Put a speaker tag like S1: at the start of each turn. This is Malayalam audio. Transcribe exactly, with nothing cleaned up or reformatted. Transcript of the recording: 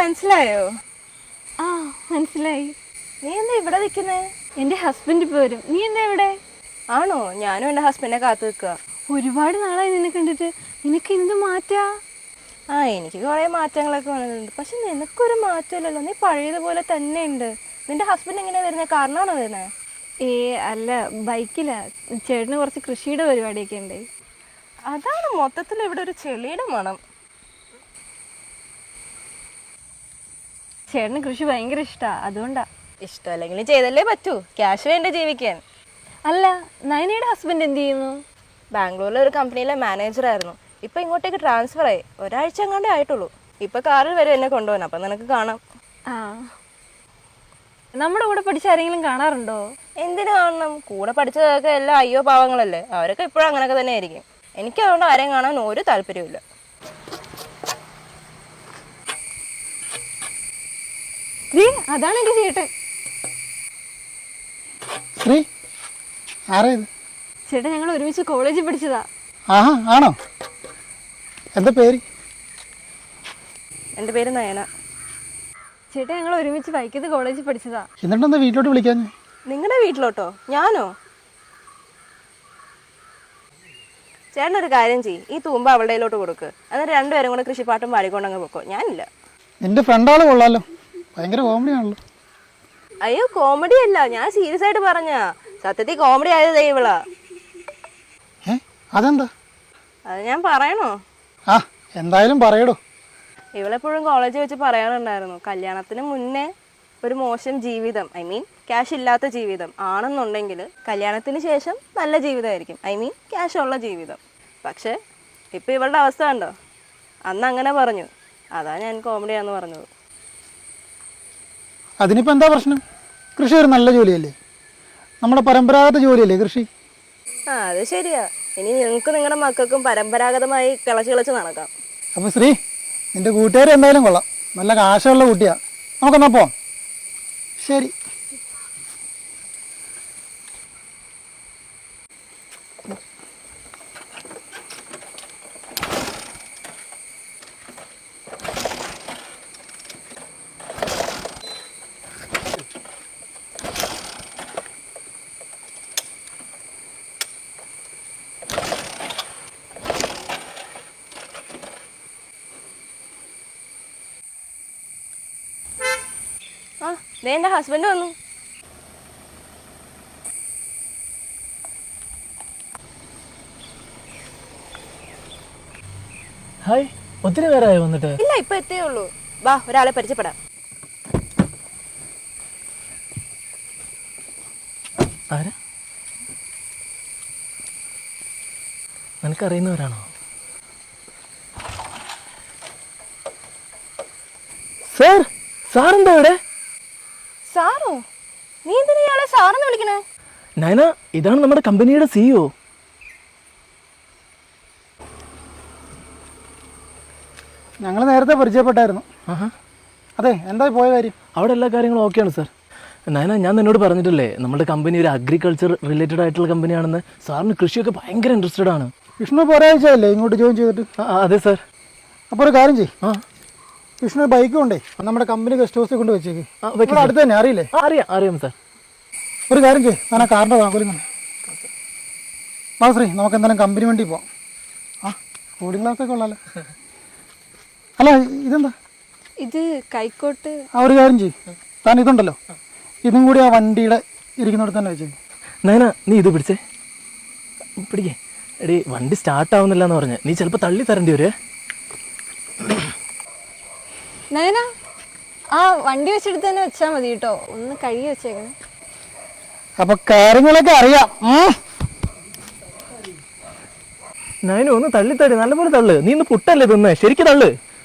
S1: മനസ്സിലായോ?
S2: ആ മനസ്സിലായി.
S1: നീ എന്താ ഇവിടെ നിൽക്കുന്നേ?
S2: എൻ്റെ ഹസ്ബൻഡ് ഇപ്പോൾ വരും. നീ എന്താ ഇവിടെ?
S1: ആണോ? ഞാനും എൻ്റെ ഹസ്ബൻഡിനെ കാത്തു നിൽക്കുക.
S2: ഒരുപാട് നാളായി നിന്നെ കണ്ടിട്ട്. നിനക്ക് എന്ത് മാറ്റാ?
S1: ആ എനിക്ക് കുറേ മാറ്റങ്ങളൊക്കെ വന്നിട്ടുണ്ട്. പക്ഷെ നിനക്കൊരു മാറ്റമില്ലല്ലോ, നീ പഴയതുപോലെ തന്നെ ഉണ്ട്. നിന്റെ ഹസ്ബൻഡ് എങ്ങനെയാണ് വരുന്നത്? കാരണമാണോ വരുന്നത്?
S2: ഏ അല്ല, ബൈക്കിലാ. ചേട്ടന് കുറച്ച് കൃഷിയുടെ പരിപാടിയൊക്കെ ഉണ്ട്.
S1: അതാണ് മൊത്തത്തിൽ ഇവിടെ ഒരു ചെളിയുടെ മണം.
S2: ചേട്ടന് കൃഷി ഭയങ്കര ഇഷ്ടമാണ്, അതുകൊണ്ടാ.
S1: ഇഷ്ടമല്ലെങ്കിൽ ചെയ്തല്ലേ പറ്റൂ, ക്യാഷ് വേണ്ട ജീവിക്കാൻ.
S2: അല്ല, നയനയുടെ ഹസ്ബൻഡ് എന്ത് ചെയ്യുന്നു?
S1: ബാംഗ്ലൂരിലെ ഒരു കമ്പനിയിലെ മാനേജറായിരുന്നു. ഇപ്പം ഇങ്ങോട്ടേക്ക് ട്രാൻസ്ഫർ ആയി. ഒരാഴ്ച എങ്ങാണ്ടേ ആയിട്ടുള്ളൂ. ഇപ്പം കാറിൽ വരെ എന്നെ കൊണ്ടുപോകാൻ. അപ്പം നിനക്ക് കാണാം.
S2: ആ, നമ്മുടെ കൂടെ പഠിച്ച ആരെങ്കിലും കാണാറുണ്ടോ?
S1: എന്തിനു കാണണം? കൂടെ പഠിച്ചതൊക്കെ എല്ലാം അയ്യോ പാവങ്ങളല്ലേ. അവരൊക്കെ ഇപ്പോഴും അങ്ങനെയൊക്കെ തന്നെ ആയിരിക്കും. എനിക്ക് അതുകൊണ്ട് ആരെയും കാണാൻ ഒരു താല്പര്യമില്ല.
S2: അതാണ് എൻ്റെ ചേട്ടൻ.
S3: ശ്രീ, ആരാ ഇത്?
S2: ചേട്ടൻ ഞങ്ങൾ ഒരുമിച്ച് കോളേജിൽ പഠിച്ചതാ.
S3: ആഹാ, ആണോ? എന്താ പേര്?
S1: എൻ്റെ പേര് നയന.
S2: ചേട്ടൻ ഞങ്ങൾ ഒരുമിച്ച് വൈക്കത്ത് കോളേജിൽ പഠിച്ചതാ.
S3: എന്നിട്ടെന്താ വീട്ടിലോട്ട് വിളിക്കാൻ?
S1: നിങ്ങളുടെ വീട്ടിലോട്ടോ? ഞാനോ? ചേട്ടനൊരു കാര്യം ചെയ്യ്, ഈ തൂമ്പ അവളുടെ കയ്യിലോട്ട് കൊടുക്ക്. എന്നിട്ട് രണ്ടുപേരും കൂടെ കൃഷിപ്പാട്ടും പാടിക്കൊണ്ടങ്ങ് പൊക്കോ. ഞാനില്ല.
S3: നിന്റെ ഫ്രണ്ടാള് കൊള്ളാലോ, ഭയങ്കര കോമഡി ആണല്ലോ.
S1: അയ്യോ, കോമഡി അല്ല, ഞാൻ സീരിയസ് ആയിട്ട് പറഞ്ഞാ. സത്യത്തിൽ കോമഡി ആയത് ഇവളാ.
S3: ഏ അതെന്താ?
S1: അത് ഞാൻ പറയണോ?
S3: ആ, എന്തായാലും പറയടോ.
S1: ഇവളെപ്പോഴും കോളേജിൽ വെച്ച് പറയാറുണ്ടായിരുന്നു, കല്യാണത്തിന് മുന്നേ ഒരു മോശം ജീവിതം, ഐ മീൻ ക്യാഷ് ഇല്ലാത്ത ജീവിതം ആണെന്നുണ്ടെങ്കിൽ കല്യാണത്തിന് ശേഷം നല്ല ജീവിതമായിരിക്കും, ഐ മീൻ ക്യാഷ് ഉള്ള ജീവിതം. പക്ഷേ ഇപ്പം ഇവളുടെ അവസ്ഥ കണ്ടോ? അന്ന് അങ്ങനെ പറഞ്ഞു, അതാ ഞാൻ കോമഡിയാന്ന് പറഞ്ഞത്.
S3: അതിനിപ്പോൾ എന്താ പ്രശ്നം? കൃഷി ഒരു നല്ല ജോലിയല്ലേ, നമ്മുടെ പരമ്പരാഗത ജോലിയല്ലേ കൃഷി.
S1: ആ അത് ശരിയാ. ഇനി നിങ്ങൾക്ക് നിങ്ങളുടെ മക്കൾക്കും പരമ്പരാഗതമായി കിളച്ച് കിളച്ച് നടക്കാം.
S3: അപ്പോൾ ശ്രീ, നിന്റെ കൂട്ടുകാർ എന്തായാലും കൊള്ളാം, നല്ല കാശുള്ള കുട്ടിയാ. നമുക്കെന്നാ പോവാം. ശരി.
S1: ആ ദേ എൻ്റെ ഹസ്ബൻഡ് വന്നു.
S4: ഹായ്, ഒത്തിരി നേരമായി വന്നിട്ട്?
S1: ഇല്ല, ഇപ്പൊ എത്തേ ഉള്ളൂ. വാ, ഒരാളെ പരിചയപ്പെടാം.
S4: ആരാ? നിനക്കറിയുന്നവരാണോ? സാർ, സാറെന്താ ഇവിടെ?
S1: സാറോ? നീ എന്തിനാ ഇയാളെ സാറെന്ന് വിളിക്കണേ?
S4: നയന, ഇതാണ് നമ്മുടെ കമ്പനിയുടെ സിഇഒ.
S3: ഞങ്ങൾ നേരത്തെ പരിചയപ്പെട്ടായിരുന്നു. അതെ, എന്താ പോയ കാര്യം?
S4: അവിടെ എല്ലാ കാര്യങ്ങളും ഓക്കെയാണ് സാർ. നയന, ഞാൻ നിന്നോട് പറഞ്ഞിട്ടില്ലേ നമ്മുടെ കമ്പനി ഒരു അഗ്രികൾച്ചർ റിലേറ്റഡ് ആയിട്ടുള്ള കമ്പനിയാണെന്ന്. സാറിന് കൃഷിയൊക്കെ ഭയങ്കര ഇൻട്രസ്റ്റഡ് ആണ്.
S3: വിഷ്ണു ഇപ്പോൾ ഒരാഴ്ചയല്ലേ ഇങ്ങോട്ട് ജോയിൻ ചെയ്തിട്ട്?
S4: അതെ സാർ.
S3: അപ്പോൾ ഒരു കാര്യം ചെയ്യും,
S4: ആ
S3: വിഷ്ണു ബൈക്ക് കൊണ്ടേ നമ്മുടെ കമ്പനി ഗസ്റ്റ് ഹൗസിൽ കൊണ്ട് വെച്ചേക്ക്. അടുത്ത് തന്നെ, അറിയില്ലേ?
S4: അറിയാം അറിയാം സാർ.
S3: ഒരു കാര്യം ചെയ്യും, ഞാൻ ആ കാറിൻ്റെ താക്കോലും തന്നെ. വാ ശ്രീ, നമുക്ക് എന്തായാലും കമ്പനി വണ്ടി പോവാം. ആ, കൂളിംഗ് ഗ്ലാസ്സൊക്കെ ഉള്ളല്ലോ. അല്ല, ഇതെന്താ?
S2: ഇത് കൈക്കോട്ട്.
S3: ആ, ഒരു കാര്യം ചെയ്യും, താൻ ഇതുണ്ടല്ലോ, ഇതും കൂടി ആ വണ്ടിയുടെ ഇരിക്കുന്നിടത്ത് തന്നെ വെച്ചേക്കും.
S4: നയന, നീ ഇത് പിടിച്ചേ, പിടിക്കേ. എടി, വണ്ടി സ്റ്റാർട്ട് ആവുന്നില്ല എന്ന് പറഞ്ഞ് നീ ചിലപ്പോൾ തള്ളി തരേണ്ടി വരുവേ.
S2: നയന, ആ വണ്ടി വെച്ചെടുത്ത് തന്നെ വെച്ചാൽ മതി കേട്ടോ, ഒന്ന് കഴുകി വെച്ചേക്കണം.
S3: അപ്പൊ കാര്യങ്ങളൊക്കെ അറിയാം.
S4: നയന, ഒന്ന് തള്ളി തള്ളി നല്ലപോലെ തള്ളു. നീ ഇന്ന് പുട്ടല്ലേ തിന്നേ, ശരിക്കും തള്ളു.